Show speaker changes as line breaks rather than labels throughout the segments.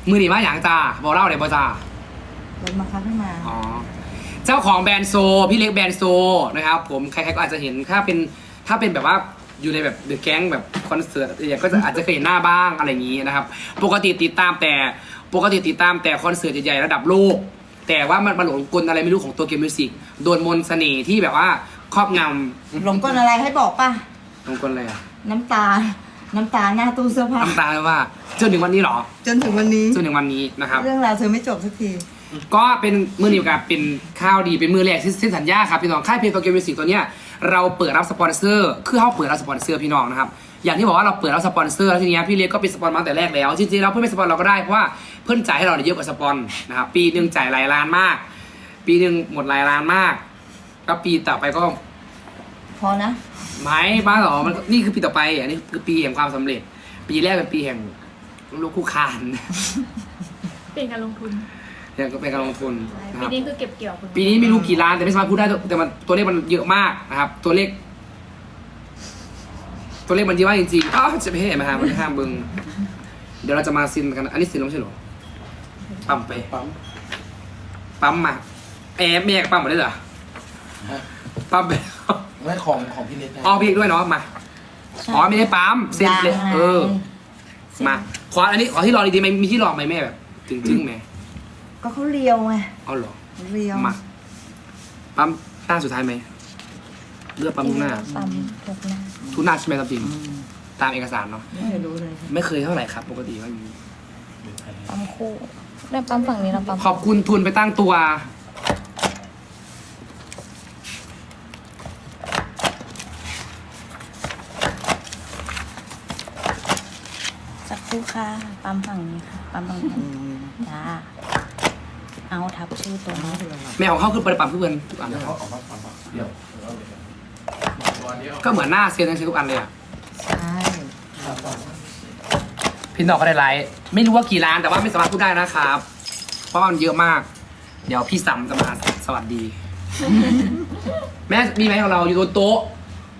มือหนีมาอย่างจ้าบอกเล่าเลยบอจ้าร
ถมาคับให้มา
อ๋อเจ้าของแบรนด์โซพี่เล็กแบรนด์โซนะครับผมใครๆก็อาจจะเห็นถ้าเป็นแบบว่าอยู่ในแบบเดอะแก๊งแบบคอนเสิร์ตอย่างก็จะอาจจะเคยเห็นหน้าบ้างอะไรอย่างนี้นะครับปกติติดตามแต่คอนเสิร์ตใหญ่ๆระดับโลกแต่ว่ามันมาหลงกลอะไรไม่รู้ของตัวเกมมิวสิกโดนมนต์เสน่ห์ที่แบบว่าครอบงำ
หลงกลอะไรให้บอกป่ะ
หลงกลอะไรอะ
น้ำตาหน้าตู้เสื้อผ้า
น้ำตาว่าจนถึงวันนี้เหรอ
จนถึงวันนี้
จนถึงวันนี้นะครับ
เรื่องราวเธอไม่จบสักที
ก็เป็นมือหนีกับเป็นข้าวดีเป็นมือแรกที่เซ็นสัญญาครับพี่น้องค่ายเพลงตัวเกมมิวสิกตัวเนี้ยเราเปิดรับสปอนเซอร์คือเขาเปิดรับสปอนเซอร์พี่น้องนะครับอย่างที่บอกว่าเราเปิดรับสปอนเซอร์แล้วทีนี้พี่เล็กก็เป็นสปอนมาตั้งแต่แรกแล้วจริงๆเราเพื่อนเป็นสปอนเราก็ได้เพราะว่าเพื่อนจ่ายให้เราเยอะกว่าสปอนนะครับปีหนึ่งจ่ายหลายล้านมาก ปีหนึ่งหมดหลายล้านมากแล้วปีต่อไปก็
พอนะ
ไม่บ้าหรอมันนี่คือปีต่อไปอันนี้คือปีแห่งความสำเร็จ ปีแรกเป็นปีแห่งลูกคู่คาน
เป็นการลงทุน
ยังก็เป็นการลงทุนนะค
ปี
รับ
นี้คือเก็บเกี่ยวผล
ปีนี้ไม่รู้กี่ล้านแต่ไม่สามารถพูดได้แต่มันตัวเลขมันเยอะมากนะครับ ตัวเลขมันเยอะมากจริงๆอ้าวจะไม่ให้มาหามันห้ามเบึงเดี๋ยวเราจะมาซินกันอันนี้ซินแล้วไม่ใช่เหรอปั๊มไปปั๊มมาแอบแม่กับปั๊มมาได้เหรอ
ฮะ
ปั๊มไป
นั่นของพี่เล็กนะ
อ๋อพี่ด้วยเนาะมาอ๋อไม่ได้ปั๊มเซ็นเลยมาขออันนี้ขอที่รอดีๆไหมมีที่รอไหมแม่แบบจึงๆไหม
ก็เขาเลียวไง
เอาเหรอ
เลียว
มาปั๊มหน้าสุดท้ายไหมเลือกปั๊มทุกหน้า
ปั๊มทุกหน้า
ทุกหน้าใช่ไหมครับจริงตามเอกสารเนาะ
ไม่เคยรู้เลย
ไม่เคยเท่าไหร่ครับ ปกติก็มี
ปั๊มคู่ได้ปั๊มฝั่งนี้แล้วปั๊ม
ขอบคุณทุนไปตั้งตัว
สักครู่ค่ะปั๊มฝั่งนี้ค่ะปั๊มฝั่งนี้จ้าเอาทับชื่อตัวนี้
แม่ของเขาคือประปั๊มทุกอันทุกอัน
เดี๋ยวเขาออกมาปั๊มเดี๋ยว
ก็เหมือนหน้าเซียนทั้งทุกอันเลยอ่ะ
ใช่
พี่น้องก็ได้ไลฟ์ไม่รู้ว่ากี่ล้านแต่ว่าไม่สามารถพูดได้นะครับ เพราะว่ามันเยอะมาก เดี๋ยวพี่สัมจะมาสวัสดี แม่มีไหมของเราอยู่บนโต๊ะ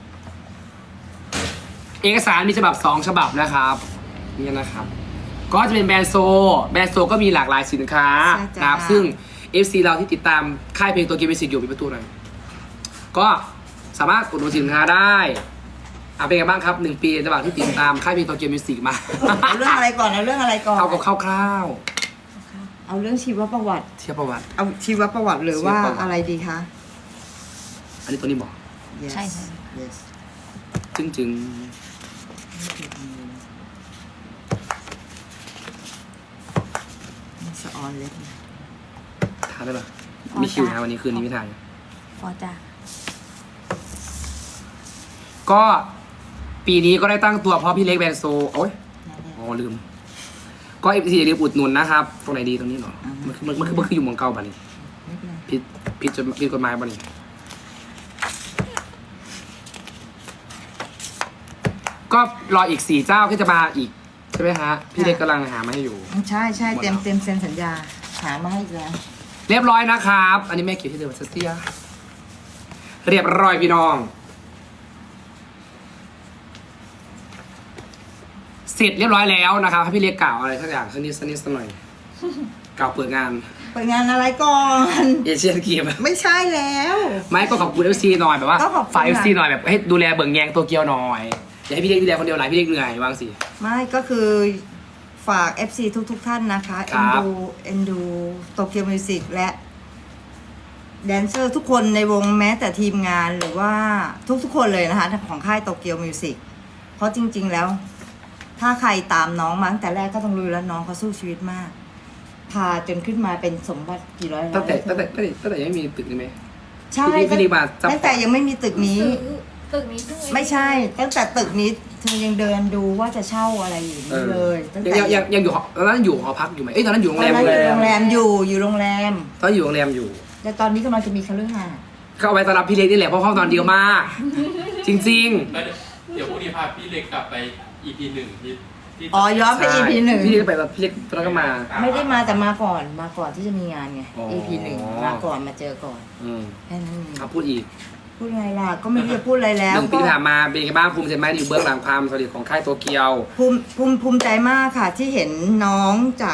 เอกสารมีฉบับ2 ฉบับนะครับนี่นะครับ ก็จะเป็นแบรนด์โซก็มีหลากหลายสินค้านะครับซึ่ง FC เราที่ติดตามค่ายเพลงตัวเกมมิวสิกอยู่มีประตูหน่อยก็สามารถกดดูสินค้าได้เป็นไงบ้างครับ1 ปีระหว่างที่ติดตามค่ายเพลงตัวเกมมิวสิกมา
เอาเรื่องอะไรก่อนเอาเรื่องอะไรก่อน
เอากับคร่าว
เอาเรื่องชีวประวัติ
ๆเทียบประวัติ
เอาชีวประวัติหรือว่า
ชีวประวัติ
อะไรดีคะ
อันนี้ตัวนี้บอก
Yes
ใช่ค่ะ
yes
จึง
สะออนเล็ก
ทานได้ปะมีคิวนะวันนี้คืนนี้ไม่ทาน
พอจ้า
ก็ปีนี้ก็ได้ตั้งตัวเพราะพี่เล็กแบรนด์โซโอ้ยอ๋อลืม ก็FCอย่าลืมอุดหนุนนะครับ ตรงไหนดีตรงนี้เหรอมันคืออยู่เมืองเก่าบ้านี่
ไม่เป็นไร
ผิดกฎหมายบ้านี่ก็รออีก4 เจ้าที่จะมาอีกใช่ไหมฮะพี่เล็กกำลังหามาให้อยู่
ใช่ใช่เต็มเซ็นสัญญาหามาให้อีกแล้ว
เรียบร้อยนะครับ อันนี้แม่เก็บที่เดิมเสียเรียบร้อยพี่น้อง เสร็จเรียบร้อยแล้วนะครับให้พี่เล็กกล่าวอะไรสักอย่างสักนิดสักหน่อยกล่าวเปิดงาน
เปิดงานอะไรก่อน
เอเชียนเกม
ไม่ใช่แล้ว
ไม่ก็ขอบคุณ FC หน่อยแบบว่า
ก็ขอบคุณ
ฝ่าย
ค่ะ
FC หน่อยแบบให้ดูแลเบิ่งแยงตัวเกียวหน่อยอย่าให้พี่เล็กดูแลคนเดียวหลายพี่เล็กเหนื่อยวางสิ
ไม่ก็คือฝาก FC ทุกท่านนะคะ
ครั
เอ็นดูโตเกียวมิวสิกและแดนเซอร์ทุกคนในวงแม้แต่ทีมงานหรือว่าทุกคนเลยนะคะของค่ายโตเกียวมิวสิกเพราะจริง ๆแล้ว ถ้าใครตามน้องมาตั้งแต่แรกก็ต้องรู้แล้วน้องเขาสู้ชีวิตมาก พาจนขึ้นมาเป็นสมบัติกี่ร้อยล้าน
ตั้งแต่ยังไม่มีตึกนี่ไหม
ใช่
พี่ดีมาจับ
ตั้งแต่ยังไม่มีตึกนี้
ตึกนี้เพิ่ง
ไม่ใช่ ตั้งแต่ตึกนี้เธอยังเดินดูว่าจะเช่าอะไรอยู่นี่เลยตั้งแต่
ยังอยู่ตอนนั้นอยู่หอพักอยู่ไหมเอ้ยตอนนั้นอยู่โรง
ตอ
แร
น
ม
นั้นอยู่โรงแรมอยู่โรงแรม
ตอนอยู่โรงแรมอยู่
แต่ตอนนี้กำลังจะมีคฤหาสน์
ก็เอาไว้ต้อนรับพี่เล็กนี่แหละเพราะเขานอนเดียวมาก จริง
แล้วเดี๋ยวพรุ่งนี้พาพี่เล็กกลับไป EP 1ที่
อ๋อย้อน
ๆ
ไป EP หนึ่ง
พี่เล็กไปแบบพี่เล็กตอนนั้นก็มา
ไม่ได้มาแต่มาก่อนที่จะมีงานไง
อ๋อ
EP หนึ่งมาก่อนมาเจอก่อน
อืม
แค่นั้นเอง
เอาพูดอีก
พูดไงล่ะก็ไม่รู้จะพูดอะไรแล้ว
1 ปีที่ผ่านมาเป็นยังไงบ้างภูมิใจไหมอยู่เบื้องหลังความสำเร็จของค่ายโตเกียว
ภูมิใจมากค่ะที่เห็นน้องจาก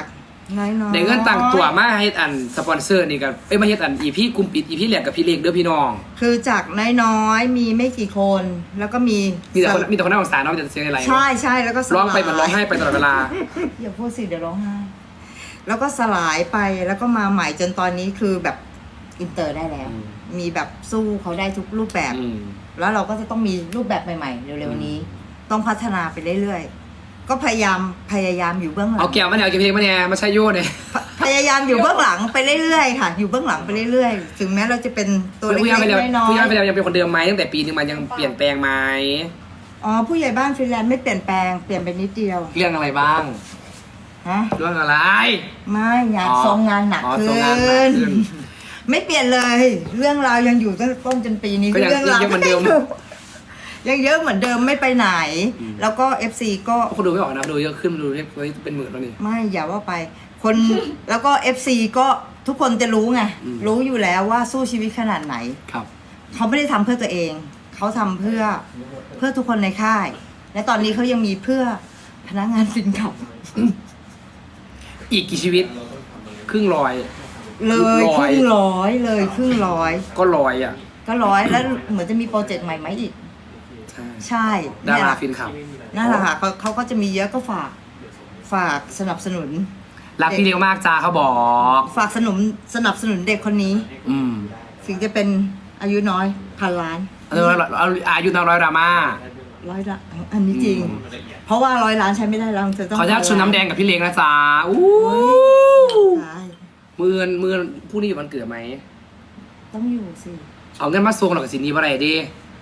น้อยๆ
ได้เงินต่างตัวมาให้อันสปอนเซอร์นี่กับมาเฮ็ดอันอีพี่กลุ่มปิดอีพี่แหลกกับพี่เล็กเด้อพี่น้อง
คือจากน้อยๆมีไม่กี่คน แล้วก็มี
มีแต่คนน่าสงสารเนาะมีแต่เสียงอะไร
ใช่แล้วก็สลาย
ร้องไปมันร้องไห้ไปตลอดเวลา
อย่าพูดสิเดี๋ยวร้องไห้ แล้วก็สลายไปแล้วก็มาใหม่จนตอนนี้คือแบบอินเตอร์ได้แล้ว
อืม
มีแบบสู้เขาได้ทุกรูปแบบ
อืม
แล้วเราก็จะต้องมีรูปแบบใหม่ๆเร็วๆนี้ ต้องพัฒนาไปเรื่อยๆก็พยายามอยู่เบื้องหลัง
เอาแก้วมาเนี่ยเอาเพลงมาเนี่ยมาใช้โย่เนี่ย
พยายามอยู่เบื้องหลังไปเรื่อยๆค่ะ อยู่เบื้องหลังไปเรื่อยๆ ถึงแม้เราจะเป็นตัวเล็
ผู้ใหญ่ไปแล้ว
กๆน้อ
ผู้ใหญ่
ย
ไปแล้วยังเป็นคนเดิมไหมตั้งแต่ปีนึงมันยังเปลี่ยนแปลงไหม
ๆอ๋อผู้ใหญ่บ้านฟรีแลนซ์ไม่เปลี่ยนแปลงเปลี่ยนไปนิดเดียว
เรื่องอะไรบ้าง
ฮะ
เรื่องอะไร
ไม่งาน
อ๋อ
ทรงงานหนัก
อ๋อ
ขึ้
ทรงงานหนักขึ้
น
น
ไม่เปลี่ยนเลย เรื่องราวยังอยู่ตั้งแต่ต้นจนปีนี้
ก็ยัง
เรื่องราว
ยังเหมือนเดิม
ยังเยอะเหมือนเดิมไม่ไปไหน
อืม
แล้วก็ FC ก็
คนดูไม่ออกนะดูเยอะขึ้นดูเป็นหมื่นแล้วนี่
ไม่อย่าว่าไป คนแล้วก็ FC ก็ทุกคนจะรู้ไง
อืม
รู้อยู่แล้วว่าสู้ชีวิตขนาดไหน
ครับ
เขาไม่ได้ทำเพื่อตัวเอง เขาทำเพื่อทุกคนในค่าย และตอนนี้เขายังมีเพื่อพนักงานสินขับ
อีกกี่ชีวิต ครึ่งร้อย
เลย
ร้
ค
อย
รึ่งร้อยเลยครึ่งร้อย
ก็ร้อยอ่ะ
ก็ร้อยแล้วเหมือนจะมีโปรเจกต์ใหม่ไหมอีก
ใช่
ใช่
ดา
เนี่ย
ราฟินขับ
นั่นแหละค่ะเขาก็จะมีเยอะก็ฝากสนับสนุน
รักพี่เลี้ยงมากจ้าเขาบอก
ฝากสนับสนุนเด็กคนนี้
อืม
ถึงจะเป็นอายุน้อยพันล้าน
เอาอายุน้อยดราม่า
ร้อยละอันนี้จริง
อืม
เพราะว่า100 ล้านใช้ไม่ได้แล้วจะต้อง
ขออนุญาตชวนน้ำแดงกับพี่เลี้ยงนะจ๊ะอู้
ใช่
มือผู้นี้อยู่วันเกิดไหม
ต้องอยู่สิ
เอาเงินมาส่งหรอกสินนี้ว่าไรดิ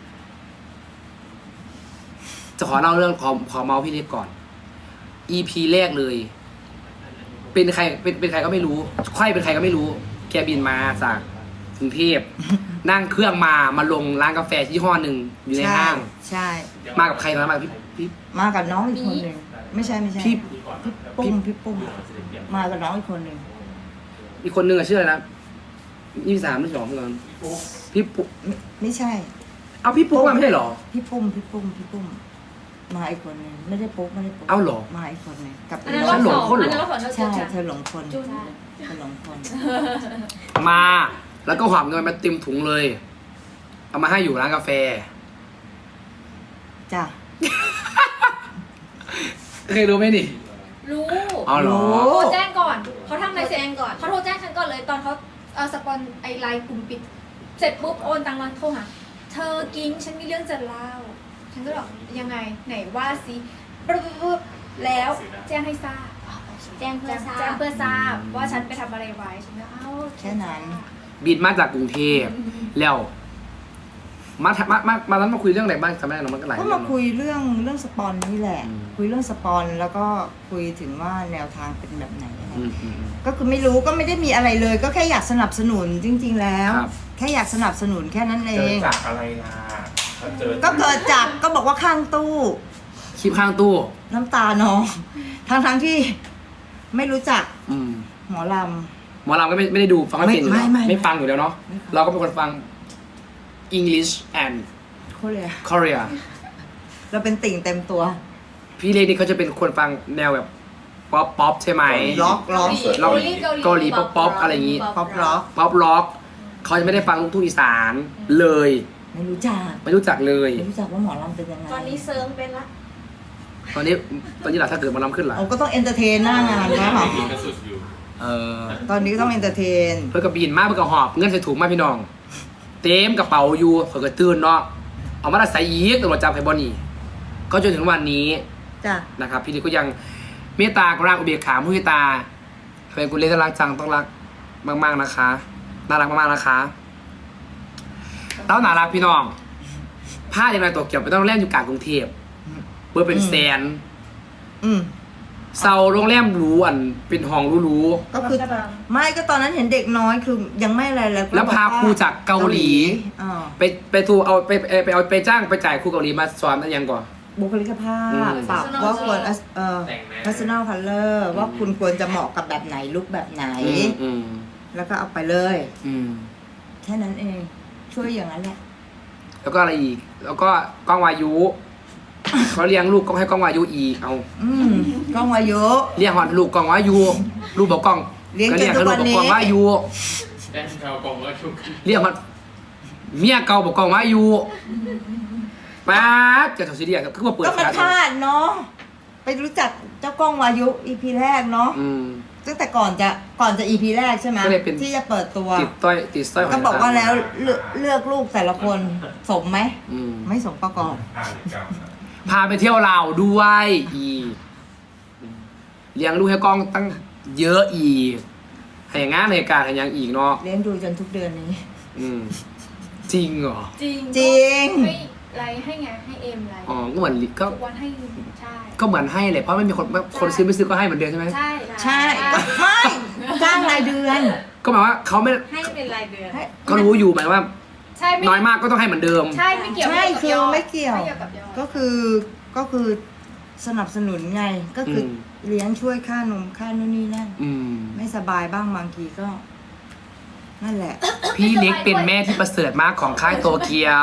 จะขอเล่าเรื่องขอเมาส์พี่เล็กก่อน EP แรกเลย เป็นใครเป็นใครก็ไม่รู้ใครเป็นใครก็ไม่รู้ แกบินมาจากกรุงเทพ นั่งเครื่องมาลงร้านกาแฟที่ห้อหนึ่งอยู่ในห้าง
ใช่
มากับใครตอนนั้นมากับพี่
มากับน้องอีกคนหนึ่งไม่ใช่
พี่
พี่ปุ้มมากับน้องอีกคนหนึ่ง
อีกคนนึงอะชื่ออะไรนะ23 22พี่ก่อนพี่ปุ๊
ไม่ใช่
เอาพี่ปุ๊มาไม่ใช่เหรอ
พี่ปุ้มมาอีกคนหนึ่งไม่ได้ปุ๊บ
เอาเหรอ
มาอีกคนหนึ่งกับ
อันนั้น
ฉั
รอน บ
หล
ส
ง
อง
คนเหรอ
อันนั้นรอบสอง
ใช่เธอหลงคน
จุน
เธอหลงคน
มาแล้วก็หอบเงินมาเต็มถุงเลย เอามาให้อยู่ร้านกาแฟ
จ้ะ
เคยรู้ไหมนี่
รู้
เอาเหรอ
โทรแจ้งก่อนเขาทำอะไรเสร็จก่อนเขาโทรแจ้งฉันก่อนเลยตอนเขาสปอนไอไลน์กลุ่มปิด เสร็จปุ๊บโอนตังค์มาโทรหาเธอกิ้งฉันมีเรื่องจะเล่า ฉันก็บอกยังไงไหนว่าสิปุ๊บแล้วแจ้งให้ทราบ
แจ้งเพื่อทราบ
แจ้งเพื่อทราบว่าฉันไปทำอะไรไว้ฉันก็เอ้า
แค่นั้น
บินมาจากกรุงเทพแล้วมาตอนนั้นมาคุยเรื่องอะไรบ้างจำไม่ได้หรอกมันก็หลาย
ก็
เรื่
มา
อง
คุยเรื่องสปอนนี่แหละ
อืม
คุยเรื่องสปอนแล้วก็คุยถึงว่าแนวทางเป็นแบบไหนอะไร
อืม
ก็คือไม่รู้ก็ไม่ได้มีอะไรเลย ก็แค่อยากสนับสนุนจริง ๆ แล้ว
ครับ
แค่อยากสนับสนุนแค่นั้นเอ
เจอง จากอะไรล่ะถ้าเจอ
ก็เกิดจากก็บอกว่าข้างตู้
คลิปข้างตู้
น้ำตาน้องทั้งที่ไม่รู้จัก
อืม
หมอล
หมอลำก็ไม่ได้ดูฟังไม่เป็นอยู่แล้ว
ไม่
ไม่ฟังอยู่แล้วเนาะ
ไม่ฟัง
เราก็เป็นคนฟัง English and
ำเขาเลย
Korea
เราเป็นติ่งเต็มตัว
พี่เล็กนี่เขาจะเป็นคนฟังแนวแบบป๊อปใช่ไหม
ล็อก
เราเกาหลีป๊อปอะไรอย่างงี้
ป๊อปล็อก
ป๊อปล็อกเขาจะไม่ได้ฟังลูกทุ่งอีสานเลย
ไม่รู้จัก
ไม่รู้จักเลย
ไม่รู้จักว่าหมอลำเป็นยังไง
ตอนนี้เซิร์งเป็นละ
ตอนนี้หล่ะถ้าเกิดหมาลำขึ้นล่ะ
เราก็ต้องเอนเตอร์เทนหน้างานนะ
มีกระสุดอยู่
เออ
ตอนนี้ก็ต้องเอนเตอร์เทน
เพื่อกระบินมากเพื่อกระหอบเงินใส่ถุงมาพี่น้อง เต็มกระเป๋าอยู่เผื่อกระตื่นเนาะเอามาใส่ยีกตำรวจจับไฮบอนี่ก็จนถึงวันนี้
จ้ะ
นะครับพี่เล็กก็ยังเมตตากรุณาอุเบกขามุทิตาเป็นกุลเล่นรักจังต้องรักมากๆนะคะน่ารักมากๆนะคะแล้วน่ารักพี่น้องผ้าอย่างไรตัวเกี่ยวไปต้องโรงแรมอยู่กลางกรุงเทพเบอร์เป็นแสน
อืม
เซาโรงแรมหรูอันเป็นห้องหรู
ก็คือไม่ก็ตอนนั้นเห็นเด็กน้อยคือยังไม่อะไรเลย
ๆแล้วพาครูจากเกาหลี
อ่า
ไปทูเอาไปจ้างไปจ่ายครูเกาหลีมาสอนอะไรยังก่อน
บุคลิกภา
อื
พ
ม
ปรับว่าควร
แต่งหน้า
personal color ว่าคุณควรจะเหมาะกับแบบไหนลุคแบบไหน
อืม
แล้วก็เอาไปเลย
อืม
แค่นั้นเอง ช่วยอย่างนั้นแหละ
แล้วก็อะไรอีก แล้วก็กล้องวายุเขาเลี้ยงลูกก็ให้กล้องวายุอีกเอา
กล้องวายุ
เลี้ยงหอดลูกกล้องวายุลูกบอกกล้อง
เลี้ยง
ก็
จ
เลี้ย
น
ง
ทุ
ให้
ก
ลู
วั
ก
น
บอกกล้อง
นี้
วายุ
แอนเรากองว่าชุก
เลี้ยงหอดเมียเก่าบอกกล้องวายุป๊าดจะถอดซีดีก็มาเปิด
ก็มันพลาดเนาะไปรู้จักเจ้ากล้องวายุ EP แรกเนาะ
อืม
ตั้งแต่ก่อนจะ EP แรกใช่ไหม
ก็เลยเป็น
ที่จะเปิดตัว
ติดสร้อย
ก็บอกว่าแล้วเลือกลูกแต่ละคนสมไหม
อืม
ไม่สมประกอบ
พาไปเที่ยวลาวด้วยอีกเลี้ยงลูกให้กล้องตั้งเยอะอีกให้งานในการให้ยังอีกเนาะ
เลี้ยงดูจนทุกเดือนนี้
อืมจริงเหรอ
จริง
จริง
ให้ไลน์ให้ไงให้เอ็มไลน์
อ๋อก็เหมือนก็
ทุกวันให้ใช่
ก็เหมือนให้เลยเพราะไม่มีคนซื้อไม่ซื้อก็ให้เหมือนเดิมใช่ไหม
ใช่
ใช่ก็ไม่จ้างรายเดือน
ก็หมายว่าเขาไม่
ให้เป็นรายเดือน
ก็รู้อยู่หมายว่า
ใช่ไม่
น้อยมากก็ต้องให้เหมือนเดิม
ใช่ไม่เกี่ยว
ใช่
กับ
คื
ย
อ
อด
ไม่เกี่ยว
ไม่เกี่ยวกับยอด
ก็คือสนับสนุนไง ก็คือเลี้ยงช่วยค่านมค่านู่นนี่นั่น
อืม
ไม่สบายบ้างบางทีก็ นั่นแหละ
พี่เล็กเป็นแม่ที่ประเสริฐมากของค่ายโตเกียว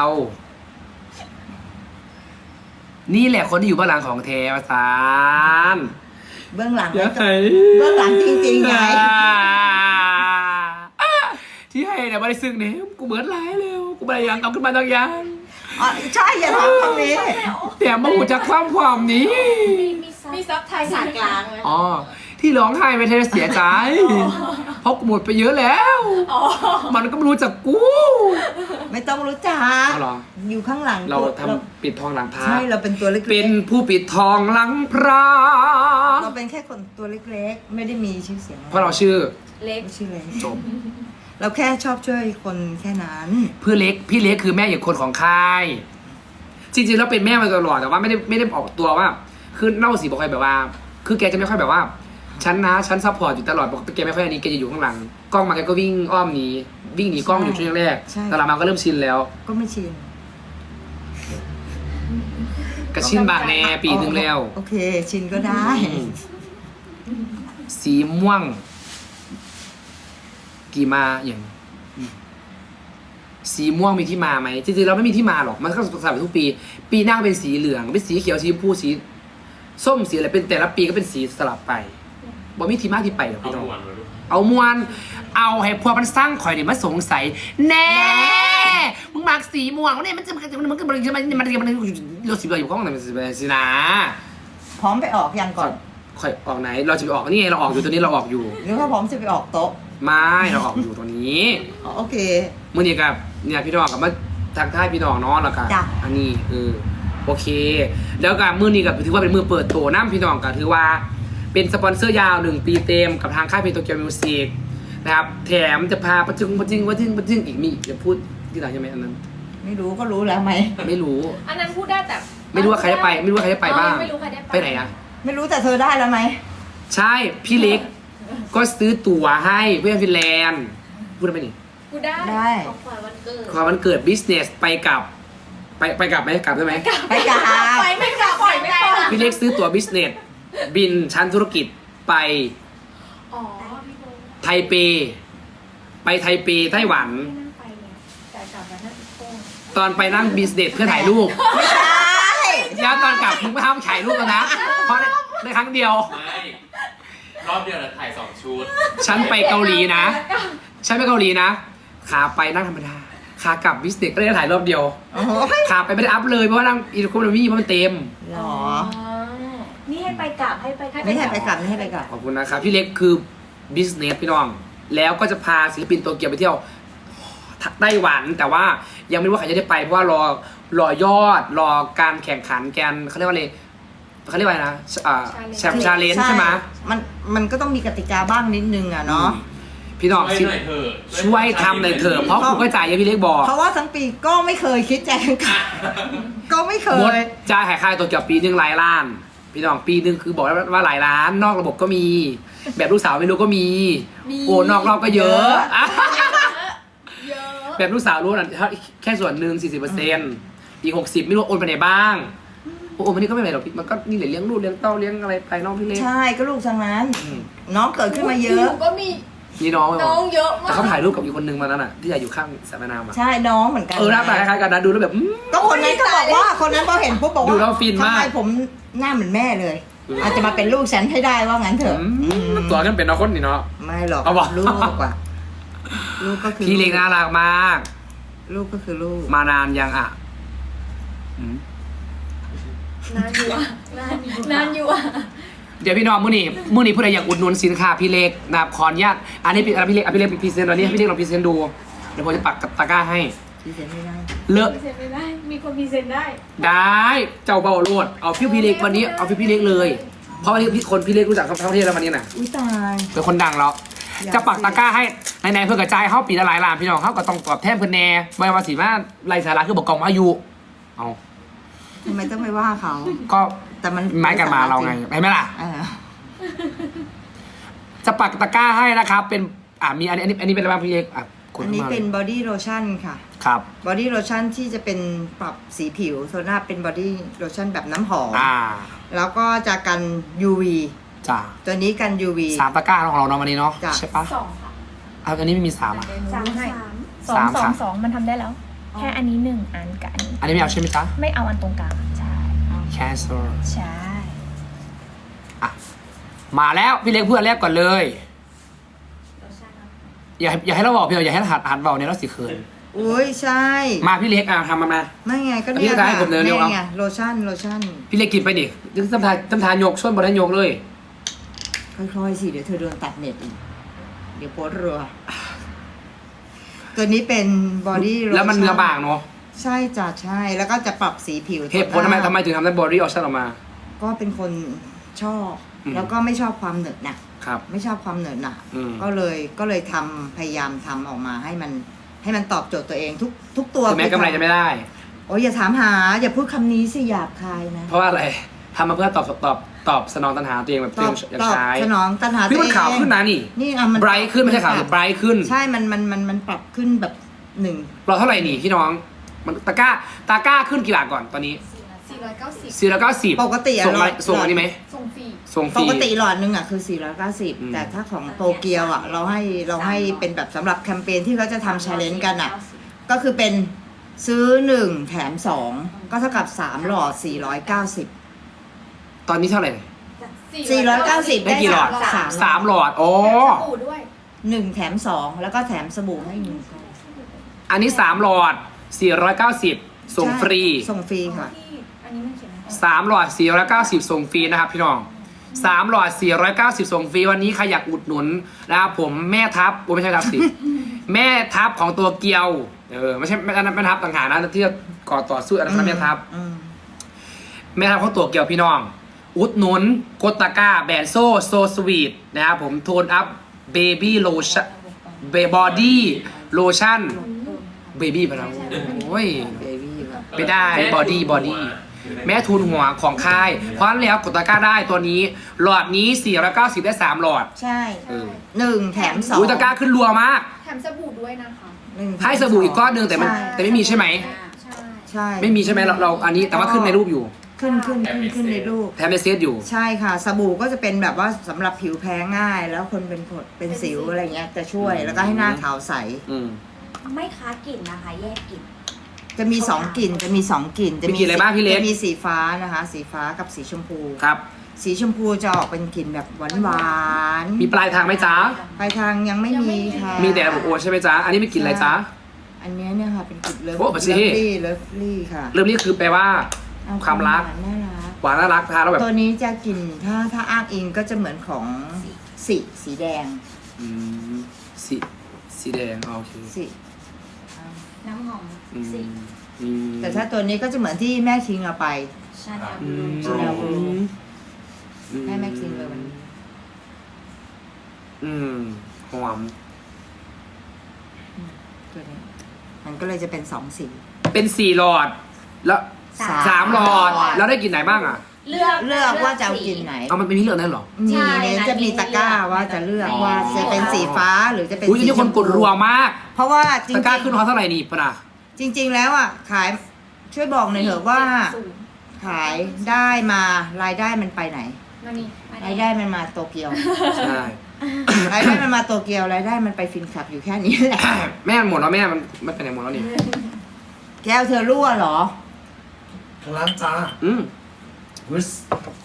นี่แหละคนที่อยู่เบื้องหลังของเทวสาร
เบื้องหลัง
อย่า
ก็
ให้
เบื้องหลังจริงๆไง
ที่ให้เนี่ยไม่ได้ซึ้งเนี่ยกูเบิร์ดไลน์เร็วกูไม่ได้ยังเอาขึ้นมาตั้งยัง
อ๋อใช่อย่าทำตรงนี้
แต่มาหูจากความนี้
มีซับไทยสากลางไหม
อ๋อที่ร้องไห้ไม่ใช่เสียใจ เพราะกูหมดไปเยอะแล้ว มันก็ไม่รู้จักกู
ไม่ต้องรู้จัก
เอาเหรอ
อยู่ข้างหลัง
เราทำปิดทองหลังพระ
ใช่เราเป็นตัวเล็กๆ
เป็นผู้ปิดทองหลังพระ
เราเป็นแค่คนตัวเล็กๆ ไม่ได้มีชื่อเสียง
เพราะเราชื่อ
เล็ก
ไม่ชื่อเล็ก
จบ
เราแค่ชอบช่วยคนแค่นั้น
พี่เล็กคือแม่อีกคนของค่าย จริงๆแล้วเป็นแม่มาตลอดแต่ว่าไม่ได้ออกตัวว่า คือเล่าสีบอกใครแบบว่า คือแกจะไม่ค่อยแบบว่าฉันซัพพอร์ตอยู่ตลอดบอกแกไม่ค่อยอันนี้แกจะอยู่ข้างหลังกล้องมาแกก็วิ่งอ้อมหนีวิ่งหนีกล้องอยู่ช่วงแรก
ใช่
แต่หลังมาก็เริ่มชินแล้ว
ก็ไม่ชิน
กระชินบางแน่ปีหนึ่งแล้ว
โอเค ชินก็ได้
สีม่วง กี่มาอย่างสีม่วงมีที่มาไหมจริงๆเราไม่มีที่มาหรอกมันก็สลับทุกปี ปีหน้าก็เป็นสีเหลืองเป็นสีเขียวสีชมพูสีส้มสีอะไรเป็นแต่ละปีก็เป็นสีสลับไปบ่มีที่มาที่ไปหรอก
เอา
พี่น้อง
หวนมาลูก
เอามวนเอาให้พวกมันสร้างข่อยเนี่ยมาสงสัยแน่มึงมากสีม่วงเนี่ยมันจะมันเราสีเหลืองอยู่ข้างไหนมันสีนะ
พร้อมไปออกยังก่อน
ข่อยออกไหน เราจะไปออกนี่ไงเราออกอยู่ตัวนี้เราออกอยู่
หรือว่าพร้อมจะไปออกโต๊ะ
ไม่เราออกอยู่ตัวนี้
อ๋อโอเค
มื่อนี้กับเนี่ยพี่น้องกับมาทางค่ายพี่น้องเนาะแล้วก็
จ้ะ
อันนี้โอเค แล้วก็มื่อนี้กับถือว่าเป็นมือเปิดตัวน้ำพี่น้องก็ถือว่าเป็นสปอนเซอร์ยาว1 ปีเต็มกับทางค่ายเพลงโตเกียวมิวสิกนะครับแถมจะพาประจึงอีกมีจะพูดที่หลังใช่ไหมอันนั้น
ไม่รู้ก็รู้แล้วไหม
ไม่รู้
อันนั้นพูดได้แต่
ไม่รู้ว่าใครได้ไปไม่รู้ว่าใครได้ไปบ้าง
ไม่รู้ใครได้
ไปไหนอะ
ไม่รู้แต่เธอได้แล้วไหม
ใช่พี่เล็กก็ซื้อตั๋วให้เพื่อนฟินแลนด์พูดได้ไหมนี่
พูดได้
ได้
ของขวัญวันเกิด
ความวันเกิดบิสเนสไปกลับไหมกลับได้ไหม
ไปกา
ไปไม่กลับปล่อยไม่กลับ
พี่เล็กซื้อตั๋วบิสเนสบินชั้นธุรกิจไป
อ๋อพี่โบ
ไทเปไปไทเปไต้หวัน
ไม่นั่งไปเนี่ยแต่กลับมานั่งอีกโค้ง
ตอนไปนั่งบิสเนสเพื่อถ่ายรูป
ไม่ใช่
แล้วตอนกลับมึงไม่ห้ามถ่ายรูปแล้วนะเพราะในครั้งเดียว
ไม่รอบเดียวเราถ่าย2 ชุด
ฉันไปเกาหลีนะฉันไปเกาหลีนะขาไปนั่งธรรมดาขากลับบิสเนสก็ได้ถ่ายรอบเดียว
โอ้โห
ขาไปไม่ได้อัพเลยเพราะว่านั่งอีโคโนมี่เพราะมันเต็ม
หรอ
นี่ให้ไปกลับให้ไป
ไม่ให้ไปกลับไม่ให้ไปกลับ
ขอบคุณนะครับพี่เล็กคือบิสเนสพี่น้อง แล้วก็จะพาศิลปินโตเกียวไปเที่ยวไต้หวัน แต่ว่ายังไม่รู้ว่าใครจะได้ไปเพราะว่ารอยอดรอการแข่งขันกันเขาเรียกว่าอะไรเขาเรียกว่าอะไรนะแชมป์ชาเลนจ์ใช่ไหม
มันก็ต้องมีกติกาบ้างนิดนึงอ่ะเนาะ
พี่น้อง
ช่วยหน่อยเถอะ
ช่วยทำหน่อยเถอะเพราะผมก็จ่ายเยอะพี่เล็กบอก
เพราะว่าทั้งปีก็ไม่เคยคิดแจกกันก็ไม่เค
หมด
ย
จ่ายหายค่าตัวเกี่ยวปีหนึ่งหลายล้าน พี่น้องปีหนึ่งคือบอกว่าหลายล้าน นอกระบบก็มี แบบลูกสาวไม่รู้ก็มี โอนอกรอบก็เยอะอ่ะ
เยอะ
แบบลูกสาวรู้นะแค่ส่วนหนึ่ง40%อีก60ไม่รู้โอนไปไหนบ้างโอนไปนี่ก็ไม่เป็นไรหรอกพี่มันก็นี่แหละเลี้ยงลูกเลี้ยงเต้าเลี้ยงอะไรไปน้องพี่เล็ก
ใช่ก็ลูกทั้งนั้น น้องเกิดขึ้นมาเย
อ
อะ
ยู่ก็มี
นี่น้องเลย
น้องเยอะมา
แต่
ก
เขาถ่ายรูปกับอีกคนนึงมานั้นอ่ะที่อยู่ข้างสระแม่น้ำอ่ะ
ใช่น้องเหมือนกัน
หน้าตาคล้ายๆกันนะดูแล้วแบบ
ก็คนนั้นก็บอกว่าคนนั้นพอเห็นปุ๊บบอกว่า
ดูแล้วฟินมาก
ทำไมผมหน้าเหมือนแม่เลย อาจจะมาเป็นลูกฉันให้ได้ว่างั้นเถอะ
ตัวกันเป็นน้องคนนี่เนาะ
ไม่หรอก
เอาวะ
ลูกอะลูกก็คือ
พี่เล็กน่ารักมาก
ลูกก็คือลูก
มานานยังอ่ะ
นานอยู่อะนานอยู่อะ
เดี๋ยวพี่น้องมื้อนี้ผู้ใดอยากอุดหนุนสินค้าพี่เล็กนะครับขออนุญาตอันนี้พี่เล็กพรีเซนต์ตอนนี้ให้พี่เล็กลองพรีเซนต์ดูเดี๋ยวผมจะปักตะกร้าให้
ที่เซ็นไม่ได้
เลอะ
เซ็นไม่ได้ มีคนมีเซ็นได้
ได้เจ้าเบาโลดเอาพี่เล็กวันนี้เอาพี่เล็กเลย เพราะวันนี้พี่เล็กรู้จักทั้งประเทศแล้ววันนี้น่ะ
อุ้ยตาย
เป็นคนดังแล้วจะปักตะกร้าให้ในเพื่อกระจายเข้าปีละหลายล้านพี่น้องเขาก็ต้องตอบแทนเพื่อนแน่ไม่ว่าสิว่าไรสาระคือบอกกองอายุเอา
ทำไมต้องไปว่าเขา
ก็
แต่มัน
ไม้กันมาเราไงเห็นไหมล่ะ
เออ
จะปักตะกร้าให้นะครับ เป็นมีอันนี้เป็นอะไรบ้างพี่เล็กกด
อันนี้
มา
เป็นบอดี้โลชั่นค่ะ
ครับ
บอดี้โลชั่นที่จะเป็นปรับสีผิวโซน่าเป็นบอดี้โลชั่นแบบน้ำหอม แล้วก็จะกัน UV
จ้า
ตัวนี้กัน UV
3ตะกร้าของเราเนาะวันนี้เนาะ
จ้ะ
ใช่ปะ
สองค่ะ
อันนี้ไม่มี3อ่ะ
สามให้
สามค่ะ
สองมันทำได้แล้ว แค่อันนี้1 อันกับอันนี้
อันนี้ไม่เอาใช่ไหมจ๊ะ
ไม่เอาอันตรงกลางใช่
cancel
ใช่
มาแล้วพี่เล็กเพื่อนแรกก่อนเลย อย่าให้เราบอกพี่อย่าให้หัดเบาเนี่ยเราสิเขิน
อุ้ยใช่
มาพี่เล็กทำมา
ไม่ไงก็
พี่
เนี่ย
จะให้ผมเร็วๆ
นี่
เอา
ไงโลชั่น
พี่เล็กกินไปดิยึดตำทานยกส้นบนนั้นยกเลย
ค่อยๆสิเดี๋ยวเธอโดนตัดเน็ตอีก เดี๋ยวโพสต์รัว ตัวนี้เป็นบอดี้โลชั่น
แล้วมันเนื้อบางเนาะ
ใช่จ้ะใช่ แล้วก็จะปรับสีผิว
เหตุผลทำไมถึงทำได้บอดี้ออชั่นออกมา
ก็เป็นคนชอบ
อืม
แล้วก็ไม่ชอบความเหนอะหนะครับ ไม่ชอบความเหนอะหนะ
อืม
ก็เลยทำพยายามทำออกมาให้มันตอบโจทย์ตัวเองทุกตัว
ถึงแม้กำไรจะไม่ได้
โอ้ยอย่าถามหา อย่าพูดคำนี้สิหยาบคายนะ
เพราะว่าอะไรทำมาเพื่อตอบสนองตัณหาตัวเองแบบตัวเองอยาก
ตอบ
ใช้
สนองตัณหา
พี่
ตัว
มัน
เอง
ขาวขึ้นนะนี่
นี่อ่ะมัน
ไบรท์ขึ้นไม่ใช่ขาวหรือไบรท์ขึ้น
ใช่มันปรับขึ้นแบบหนึ่ง
เราเท่าไหร่นี่พี่น้องมันตะกร้าขึ้นกี่บาทก่อนตอนนี้
490
490
ปกติอะ
ส่งอันนี้ไหม
ส่งฟรี
ส่งฟ
ป
รี
กติหลอดหนึงอ่ะคือ
อืม
490 แต่ถ้าของโตเกียวอ่ะเราให้เป็นแบบสำหรับแคมเปญที่เขาจะทำชาเลนจ์กันอ่ะ ก็คือเป็นซื้อ1แถม2ก็เท่ากับ3หลอด490
ตอนนี้เท่าไหร่
490
ได้กี่หลอด
สาม
3หลอดโอ้
สบู่ด้วย
1แถม2แล้วก็แถมสบู่ให้1
อันนี้3หลอด490ส่งฟรี
ส่งฟรีค่ะ
อันนี้มันเขียนอะไร
3หลอด490ส่งฟรีนะครับพี่น้อง3หลอด490ส่งฟรีวันนี้ใครอยากอุดหนุนนะครับผมแม่ทัพไม่ใช่ทัพสิ แม่ทัพของตัวเกียวไม่ใช่แม่ทัพต่างหากนะที่ก่อต่อสู้อันนั้นแม่ทัพ แม่ทัพของตัวเกียวพี่น้อง อุดหนุนโกตาก้าแบรนด์โซสวีทนะครับผมโทนอัพเบบี้โลชั่นบอดี้โลชั่นเบบี้ไปแล้วโอ้ยไม่ได้บอดี้แม่ทุนหัวของค่าย เพราะฉะนั้นแล้วกดตะกร้าได้ตัวนี้ หลอดนี้490ได้3หลอด
ใช่
เออ
1แถม2
อุ้ยตะกร้าขึ้นรัวมาก
แถมสบู่ด้วยนะคะ
ให้สบู่อีกก้อนหนึ่งแต่ไม่มีใช่ไหม
ใช่
ใช่
ไม่มีใช่ไหมเราอันนี้แต่ว่าขึ้นในรูปอยู่
ขึ้นในรูป
แถมในเซตอยู่
ใช่ค่ะ สบู่ก็จะเป็นแบบว่าสำหรับผิวแพ้ง่าย แล้วคนเป็นผดเป็นสิวอะไรเงี้ยจะช่วยแล้วก็ให้หน้าขาวใส
อืม
ไม่ค้ากลิ่นนะคะ แยกกลิ่น
จะมี2กลิ่นจะมี2กลิ่นจะ
มีกลิ่นอะไรบ้างพี่เล็ก
จะมีสีฟ้านะคะ สีฟ้ากับสีชมพู
ครับ
สีชมพูจะออกเป็นกลิ่นแบบหวานๆ
มีปลายทางไหมจ๊ะ
ปลายทางยังไม่มีค่ะ
มีแต่บุโอใช่ไหมจ๊ะ อันนี้ไม่กินอะไรจ๊ะ
อันเนี้ยเนี่ยค่ะเป็นกลิ่นเลิฟ
โอ้ปัสสิ
เลิฟลี่ค่ะ
เริ่มนี้คือแปลว่า
เอ
ความรัก
หวานน่ารัก
หวานน่ารักทานแล้วแบบ
ตัวนี้จะกลิ่นถ้าอ้างอิงก็จะเหมือนของสีแดง
อืมสีแดงอ๋อโอเค
สี
น้ำหอม
อืม
สี
อืม
แต่ถ้าตัวนี้ก็จะเหมือนที่แม่คิงเอาไป
ชาแนล
อื
บลู
ม
Chanel Blue
อื
ให้แม่คิงเลยวันนี้
อืมหอม
ตัวนี้มันก็เลยจะเป็น2สี
เป็น4หลอด แล้ว3หลอด แล้วได้กินไหนบ้างอ่ะ
เลือก
เลือกว่าจะเอากลิ่นไหน
เอามันเป็นพี่เลือกนั่นเหรอ
มีเนี่ยจะมีตะกร้าว่าจะเลือกว่าจะเป็นสีฟ้าหรือจะเป็น
อุ้ย
สี
นี่คนกดรัวมาก
เพราะว่าจริ
ตะ
ง
กร้าขึ้นเขาเท่าไหร่นี่ปะนะ
จริง ๆ แล้วอ่ะขายช่วยบอกหน่อยเถอะว่า ขายได้มารายได้มันไปไหน
มานี่
รายได้มันมาโตเกียว
ใช่
รายได้มันมันมาโตเกียวรายได้มันไปฟินคลับอยู่แค่นี้แหละ
แม่มันหมดแล้วแม่มันไปไหนหมดแล้วนี่
แก้วเธอรั่วเหรอ
ทางร้านจ้า วิส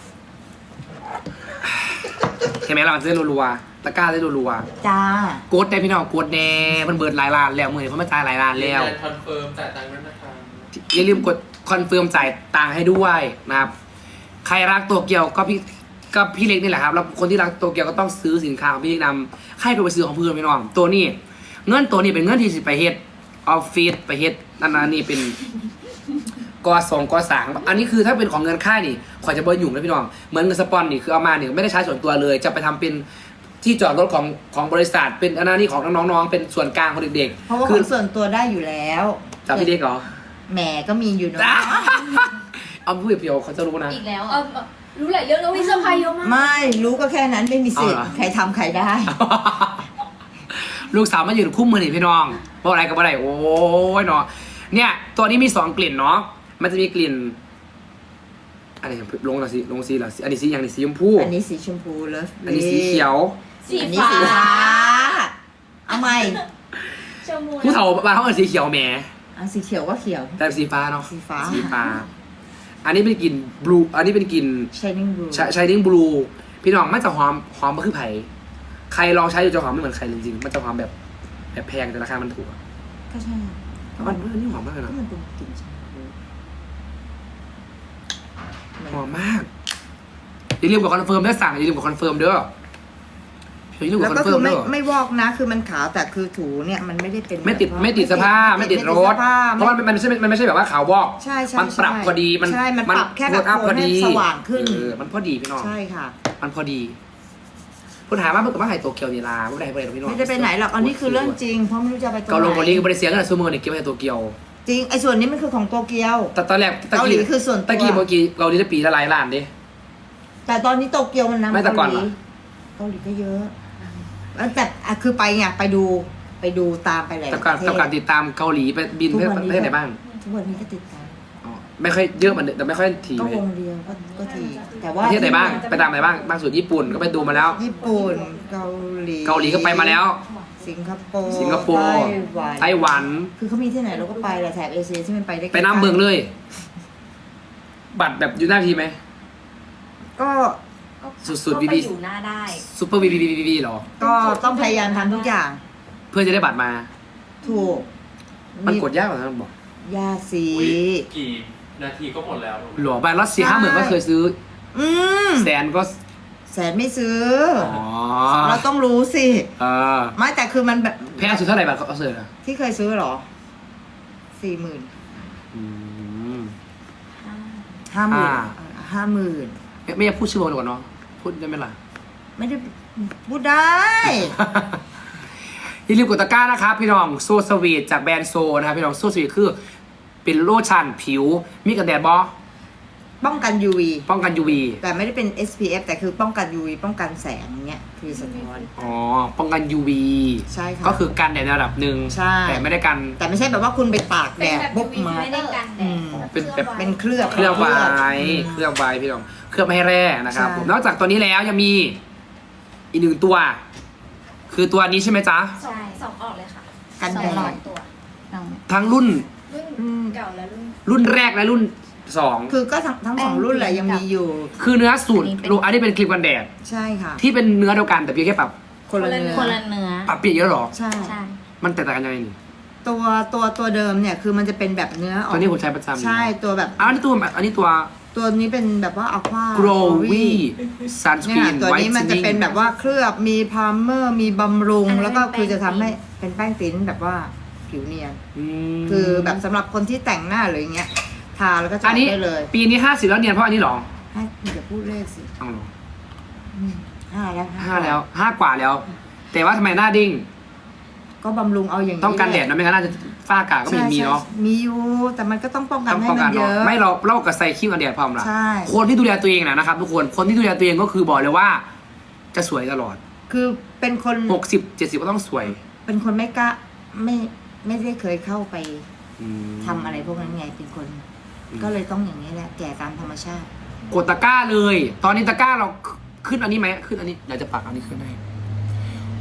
เห็นไหมเราจะได้รัวๆตะกร้าได้รัว
จ้า
ๆกดได้พี่น้องกดแน่มันเบิดหลายล้านแล้วมือนี้เขามาจ่ายหลายล้านแล้ว
ยืนยันคอนเฟิร์มจ่ายตังค์ด้วยนะคะ
อย่าลืมกดคอนเฟิร์มจ่ายตังค์ให้ด้วยนะครับ ใครรักโตเกียวก็พี่เล็กนี่แหละครับ แล้วคนที่รักโตเกียวก็ต้องซื้อสินค้าของพี่เล็กนำให้ไปซื้อของเพื่อนพี่น้อง ตัวนี้เงินตัวนี้เป็นเงินที่สิไปเฮ็ดออฟฟิศไปเฮ็ดนั่นนี่เป็นกอ2กอ3อันนี้คือถ้าเป็นของเงินค่ายนี่ขอยจะบ่ยุ่งนะพี่น้อง เหมือนเงินสปอนนี่คือเอามาเนี่ยไม่ได้ใช้ส่วนตัวเลย จะไปทำเป็นที่จอดรถของบริษัท เป็นอันนั้นนี่ของน้องๆเป็นส่วนกลางของเด็ก
เพราะว่า
ๆ
ข
คือ
องส่วนตัวได้อยู่แล้ว
จากพี่เล็กเหรอ
แหมก็มีอยู่เนอะ
เอาพูดเพียวๆเขาจะรู้นะ
อีกแล้ว
รู้หลายเรื่องแล้วมีเซอร์ไพรส์เยอะมาก
ไม่รู้ก็แค่นั้นไม่มีสิทธิ์
เอาเหรอ
ใครทำใครได้
ลูกสาวมายืนคุ้มมือหนิพี่น้องว่าอะไรกับอะไรโอ้ยเนาะเนี่ย ตัวนี้มี2กลิ่นเนาะมันจะมีกลิ่นอะไรลงหน่อยสิลงสีเหรออันนี้สีอย่างนี้สีชมพู
อันนี้สีชมพูเลิฟ
อันนี้สีเขียว
สี
อันนี้
ฟ้า
สีฟ้าเอาใหม่
ชมพู
ผู้เฒ่าบ้านเขาเป็นสีเขียวแหม
อันสีเขียวก็เขียว
แต่สีฟ้าเนาะ
สีฟ้า
สีฟ้า อันนี้เป็นกลิ่นบลูอันนี้เป็นกลิ่น
Shining Blue
ชายดิ้งบลูพี่น้องมันจะหอมมาคือไผ่ใครลองใช้อยู่จะหอมไม่เหมือนใครจริงๆมันจะหอมแบบแพงแต่ราคามันถูกอะ
ก็ใช่
มันนี่หอมมากเลย
ก็
นะ
มันเป็นกลิ่นชมพู
หอมมากอย่าลืมกดคอนเฟิร์มถ้าสั่งอย่าลืมกดคอนเฟิร์มเด้ออย่าลืมก
แล้
ด
ว
คอ
ก็
นเฟิ
คื
ร์
อ
ม
ไม่
เด้อ
ไม่วอกนะ คือมันขาวแต่คือถูเนี่ยมันไม่ได้เป็น
ไม่ติด
แบบว่า
ไม่ติดเสื้อผ้าไม่ติดรถ
เสื้อผ้า
เพราะมันไม่ใช่แบบว่าขาววอก
ใช่ใช่
มันปรับพอดีมัน
ใช่มันปรับแค่แบบ
อัพพอดี
ให้สว่างขึ้น
มันพอดีพี่น้อง
ใช่ค่ะ
มันพอดีพูดหาว่าเมื่อกี้ว่าไฮโตเกียวนี่ลาไม่ได้ไปไหนหรอกพี่น้อง
ไม่ได้ไปไหนหรอกอันนี้คือเรื่องจริงเพราะไม่รู้จะไปตรง
เกาหลง
ไห
เกาน หลีกับบริเซียก็เลยซูเมอร์เนี่ยเก็บไว้ไฮโตเกียว
จริงไอ้ส่วนนี้มันคือของโตเกียว
แต่ตอนแรก
เกาหลีคือส่วนตัว
ตะกี้เมื่อกี้เกาหลีได้ปีละหลายล้านดิ
แต่ตอนนี้โตเกียวมันนำ
ไม่แต่
เกา
ก่อน
หลี
เหรอ
เกาหลีก็เยอะแล้วแต่คือไปไงไปดูตามไปหลาย
แต่
ป
ก่อน
ระเท
แต่ก่อน
ศ
ติดตามเกาหลีไปบินประเทศไหนบ้าง
ทุกวันนี้ก็ติดตาม
อ๋อไม่ค่อยเยอะเหมือนเดิมแต่ไม่ค่อยถี่
ก็
เล
วย งเดียวก็ทีแต่ว่า
ประเทศไหนบ้างไปตามไหนบ้างบางส่วนญี่ปุ่นก็ไปดูมาแล้ว
ญี่ปุ่นเกาหลี
เกาหลีก็ไปมาแล้ว
สิงคโปร์
สิงคโปร์ไต้หวัน
คือเขามีที่ไหนเราก็ไปแหละแถบเอเชียที่มันไปได้
ไปน้ำเบิงเลย บัตรแบบอยู่หน้าทีไหม
ก็
สุดๆ
ก็
บี
ไป
บี
อยู่หน้าได้
ซูเปอร์บีหรอ
ก็ต้องพยายามทำทุกอย่าง
เพื่อจะได้บัตรมา
ถูก
มันกดยากกว่านั้นบอก
ยากสิ
อุ๊ยกี่นาทีก็หมดแล้ว
หลวงไปรัสเซีย50,000ก็เคยซื้อ
อืม
แสนก็
แสนไม่ซื้อ
อ๋อ
เราต้องรู้สิ
เออ
ไม่แต่คือมันแบบ
แพงสุดเท่าไหร่บัตรเขาเสิร์ฟอะ
ที่เคยซื้อเหรอ 40,000
อืม
50,000
ไม่อยากพูดชื่อวงดีกว่าเนาะพูดได้ไหมล่ะ
ไม่ได้พูดได้
อย่าลืมกดตะกร้านะครับพี่น้องโซสวีทจากแบรนด์โซนะครับพี่น้องโซสวีทคือเป็นโลชั่นผิวมีกันแดดบอ
ป้องกัน UV
ป้องกัน UV
แต่ไม่ได้เป็น SPF แต่คือป้องกัน UV ป้องกันแสงเนี้ยคือสะท้อน
อ๋อป้องกัน UV
ใช่ค่ะ
ก็คือกันแดดในระดับหนึ่ง
ใช่
แต่ไม่ได้กัน
แต่ไม่ใช่แบบว่าคุณไปตากแดดปุ๊บมา
ไม่ได้กันแด
อื
ด
ม
เป็นแบบ
เป็นเคลือบ
เคลือบไว้
อืม
เคลือบไว้พี่น้องเคลือบไม่ให้แร่นะครับ
ใช่
ผมนอกจากตัวนี้แล้วยังมีอีกหนึ่งตัว คือตัวนี้ใช่ไหมจ๊ะ
สองออกเลยค่ะ
กันแด
สอง
ด
ตัว
ทั้งรุ่น
รุ่นเก่าและรุ่น
รุ่นแรกและรุ่นสอง
คือก็ทั้งสองรุ่นแหละยังมีอยู่
คือเนื้อสูตรอันนี้เป็นครีมกันแดด
ใช่ค่ะ
ที่เป็นเนื้อเดียวกันแต่เพียงแค่ปรับ
คนละเนื้อ
คนละเนื้อ
ปรับเปลี่ยนเยอะหรอ
ใช่
ใช่
มันแตกต่างกันยังไงนี่
ตัวเดิมเนี่ยคือมันจะเป็นแบบเนื้อออก
ตัวนี้ผมใช้ประจำ
ใช่ตัวแบบ
อันนี้ตัว
ตัวนี้เป็นแบบว่าอัลฟา
Glowy
เนี่ย
Sunscreen
ตัวนี้มันจะเป็นแบบว่าเคลือบมีพาร์เมอร์มีบำรุง
อันนั้น
แล้วก็คือ
เป็น
จะทำให้เป็นแป้งติ้นแบบว่าผิวเนียน
ม
คือแบบสำหรับคนที่แต่งหน้าหรืออย่างเงี้ยทาแล้วก็จะ
อันนี้
ได้เลย
ปีนี้50แล้วเนียนเพราะอันนี้หรอ
ให้อย่าพูดเลขสิ
เอาหรอ
5 แล้ว
5แล้ว5กว่าแล้ว แต่ว่าทำไมหน้าดิ้ง
ก็บำรุงเอาอย่างนี้
ต้องกันแดดนะไม่งั้นน่าจะฝ้ากาก็ไม่มีเนาะ
ใช่มีอยู่แต่มันก็ต้องป้องกัน
ต้อง
ให้
ป้อง
มั
กัน
นเย
เนาะ
อะ
ไม่เรากับใส่ครีมกันแดดพร้อมละ
ใช่
คนที่ดูแลตัวเองนะครับทุกคนคนที่ดูแลตัวเองก็คือบอกเลยว่า จะสวยตลอด
คือเป็นคน
60-70ก็ต้องสวย
เป็นคนไม่กล้าไม่ได้เคยเข้าไป
อืม
ทำอะไรพวกนั้นไงเป็นคน
อืม
ก็เลยต้องอย่างนี้แหละแก่ตามธรรมชาติ
กดตะกร้าเลย ตอนนี้ตะกร้าเราขึ้นอันนี้ไหมขึ้นอันนี้เดี๋ยวจะปักอันนี้ขึ้นให้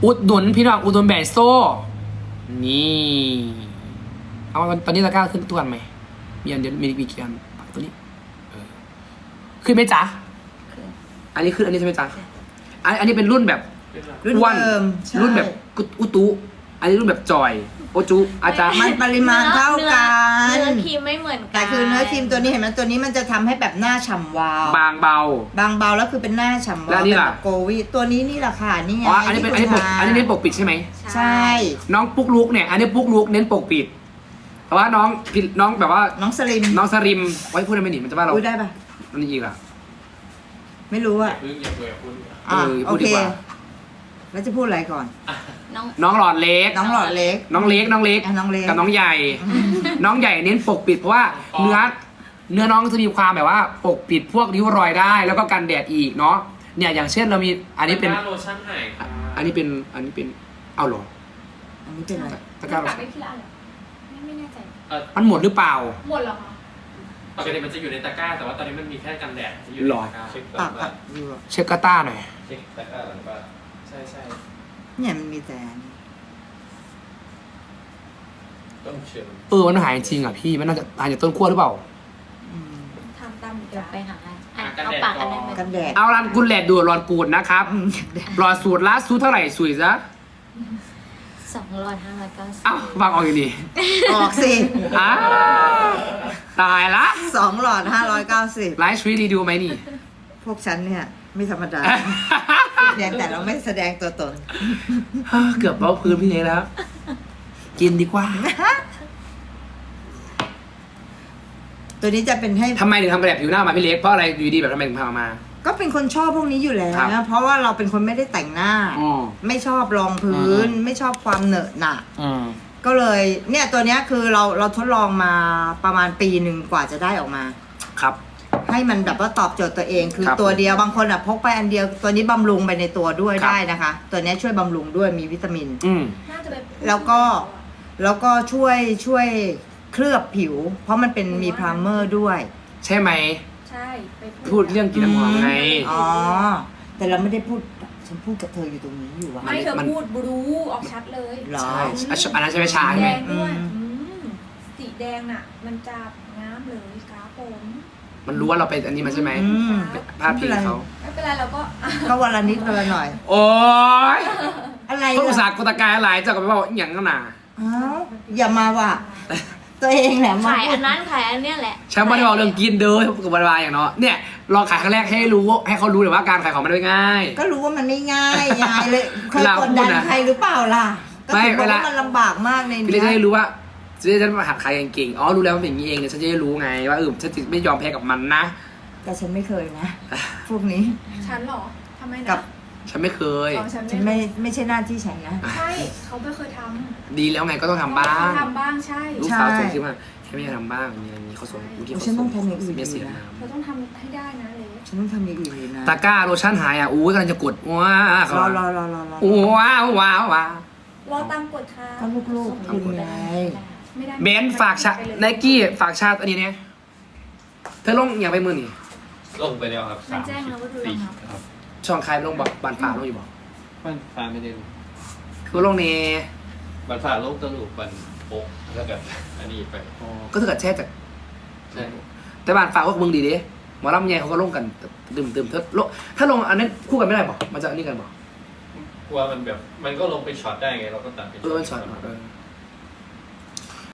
อุดหนุนพี่น้องอุดหนุนแบรนด์โซ่ นี่เอาตอนนี้ตะกร้าขึ้นทุกวันไหมมีอันเดียวมีกี่อันตัวนี้ขึ้นไหมจ๊ะอันนี้ขึ้นอันนี้ใช่ไหมจ๊ะอันนี้เป็นรุ่นแบบ
รุ่น
อ้วน
เดิมใช่
รุ่นแบบอุตุอันนี้รุ่นแบบจอย โอจุอาจารย์
มันปริมาณเท่ากัน
เนื้อครีมไม่เหมือนกัน
แต่คือเนื้อครีมตัวนี้เห็นไหมตัวนี้มันจะทำให้แบบหน้าฉ่ำวาว
บางเบา
บางเบาแล้วคือเป็นหน้าฉ่ำ
แล้ว
วาว
นี่
เป็น
ล่ะ
แบบโกวีตัวนี้นี่แหละค่ะนี่ไง
อ๋ออันนี้เป็นอันนี้ปกอันนี้เน้นปกปิดใช่ไหม
ใช่
น้องปุ๊กลุกเนี่ยอันนี้ปุ๊กลุกเน้นปกปิดแต่ว่าน้องผิดน้องแบบว่า
น้องสลิม
น้องสริมไว้พูดได้ไหมหนิมันจะว่าเรา
พูดได้ปะ
มันอีกล่ะ
ไม่รู้อะ
พึ่งอย่าเบื่อคุณ
อ่ะ
พู
โอ
ดดี
เค
กว่า
แล้วจะพูดอะไรก่อน
น้อง
น้องหลอดเล็ก
น้องหลอดเล็ก
น้องเล็ก
อ่ะน้องเล็ก
กับน้องใหญ่ น้องใหญ่เน้นปกปิดเพราะว่าเนื้อน้องจะมีความแบบว่าปกปิดพวกริ้วรอยได้ แล้วก็กันแดดอีกเนาะเนี่ยอย่างเช่นเรามีอันนี้เป็น
ตะกร้าโลชั่นหายค่ะ
อันนี้เป็นเอาเหรอ
อันนี้เป็นอะไร
ตะกร้า
ปากได้ทีละอันเหรอไม่แน่ใจ
มันหมดหรือเปล่า
หมดเหรอคะ
ปกติมันจะอยู่ในตะกร้า แต่ว่าตอนนี้มันมีแค่กันแดดที่อยู่
ห
ใน
รอ
ตะกร้า
ปากอะดูอะ
เช็คกาต้าหน่อย
เช็คตะกร้าหลังบ้านใช่ใช่
เนี่ยมันมีแต่อันนี้
ต้องเชื่อ
มันหายจริงอ่ะพี่มันน่าจะหายจากต้นขั้วหรือเปล่า
อืม
ทำตาม
เดี๋ยวไปหาให้อ่ะ
กัน
เอา
แดด
ปาก
ก่
อั
อน
นั้นไป
กันแดด
เอารันกุลแหลดดูดรอนกูดนะครับ
อืม
หลอดสูตรละสูตรเท่าไหร่สุยซะ
2,590
เอ้าฟังออกอยู่ดี
ออกสิ
อ้าวตายละ
2 หลอด 590
ไลฟ์ชีวิตดีดูไหมนี่
พวกฉันเนี่ย ไม่ธรรมดาเพียงแต่เราไม่แสดงตัวตน
เกือบเบ้าพื้นพี่เนยแล้ว กินดีกว่า
ตัวนี้จะเป็นให้
ทำไมถึงทำแบบผิวหน้ามาพี่เล็กเพราะอะไรอยู่ดีแบบทำไมถึงทำออกมา
ก็เป็นคนชอบพวกนี้อยู่แล้ว
ครับ
นะเพราะว่าเราเป็นคนไม่ได้แต่งหน้า
อ๋อ
ไม่ชอบรองพื้น ไม่ชอบความเหนอะหนะ
อืม
ก็เลยเนี่ยตัวเนี้ยคือเราทดลองมาประมาณปีหนึ่งกว่าจะได้ออกมา
ครับ
ให้มันแบบว่าตอบโจทย์ตัวเองคือ
ครับ
ตัวเดียวบางคนอ่ะพกไปอันเดียวตัวนี้บำรุงไปในตัวด้วย
ครับ
ได้นะคะ ตัวเนี้ยช่วยบำรุงด้วยมีวิตามิน
อืม
น่าจะเป็น
แล้วก็ช่วยเคลือบผิว เพราะมันเป็นมีพรามเมอร์ด้วย
ใช่ไหม
ใช่ไป
พูดเรื่องกินน้ำหอมไง
อ๋อแต่เราไม่ได้พูดฉันพูดกับเธออยู่ตรงนี้อยู่อะ
ไม่เธอ
มัน
พูดบลูออกชัดเลย
หรอ
ใช่อันนั้นใช่ไหมชา
สี
ใช่ไห
แด
ม
งด้วย
อืม
สีแดงน่ะ มันจะงามเลยกราฟผม
มันรู้ว่าเราไปอันนี้มาใช่ไหม
อืม
ภาพพิงเขา
ไม่เป็นไรเราก็
ก็วันละนิดวันละหน่อย
โอ๊ย
อะไร
พวกอุตสา
ล่ะ
ห์กตะกายหลายเจ้าก็ไปบอกอย่างนั้นน่ะ
อ้าวอย่ามาว่ะ ตัวเองแหละมา
ขายอันนั้นขายอันเนี้ยแหละ
ฉันไม่ได้บอกเรื่องกินเด้อกับบายอย่างเนาะเนี่ยลองขายครั้งแรกให้รู้ให้เขารู้เลยว่าการขายของมันไม่ง่าย
ก็รู้ว่ามันไม่ง่ายยายเลยเคย
เวลาก
ด
พู
ดั
ด
น
นะ
ใครหรือเปล่าล่ะก็
ไม่
ถึงบอก
เวลา
ว่ามันลำบากมากใน
พี่เลย
เนี้
จะได้
ย
รู้ว่าจะได้มาหัดขายเก่งๆอ๋อรู้แล้วมันเป็นอย่างนี้เองเนี่ยฉันจะได้รู้ไงว่าฉันจะไม่ยอมแพ้กับมันนะ
แต่ฉันไม่เคยนะ พวกนี้
ฉันเหรอทำไมนะ
กับ
ฉันไม่เคย
อ๋อฉัน
ฉันไม่ใช่หน้าที่ฉันนะ
ใช่เขาไม่เคยท
ดีแล้วไงก็ต้อง
ำ
ทำบ้าง
เขาทำบ้างใช่
ลูกสาวส่งคลิปมาแค่ไม่อยากทำบ้างมีอะไรนี้เขาส่งเมื่อกี้
โอ้
เขา
ฉัน
ส่
ต้องทำอย่างอื่น
เสีย
อยู่นะ
น้
เราต้องทำให้ได้นะเลย
ฉันต้องทำอย่างอื่นอยู่นะ
ำตะกร้าโลชั่นหายอ่ะอู้ยกำลังจะกดว้าร
อ
ว้าวว้าวว้าว
รอตามกฎค่ะ
ก็ลูกๆคุณไง
ไม่ได้
เบนซ์ฝากชาไนกี้ฝากชาอันนี้เนี่ยเธอลงอย่างไปมือนี่
ลงไปแล้วครับ
มันแจ้งแล้วว่าดูแล้วครับ
ครับ
ช่องใครลงบอกบานฝาลงอยู่บอก
มันฟ้าไม่ได้ลง
คือลงนี่
บันฟ้าลงตะลุบันโป๊กแล้วก็อันนี้ไป
ก็ถ้าเกิดแช่จาก
ใช่
แต่บานฝาพวกมึงดีดิหมอลำใหญ่เขาก็ลงกันดื่มถ้าลงอันนั้นคู่กันไม่ได้บอกมันจะอันนี้กันบอก
กลัวมันแบบมันก็ลงไปช็อตได้ไงเราก็ตัดไป
มันช็อต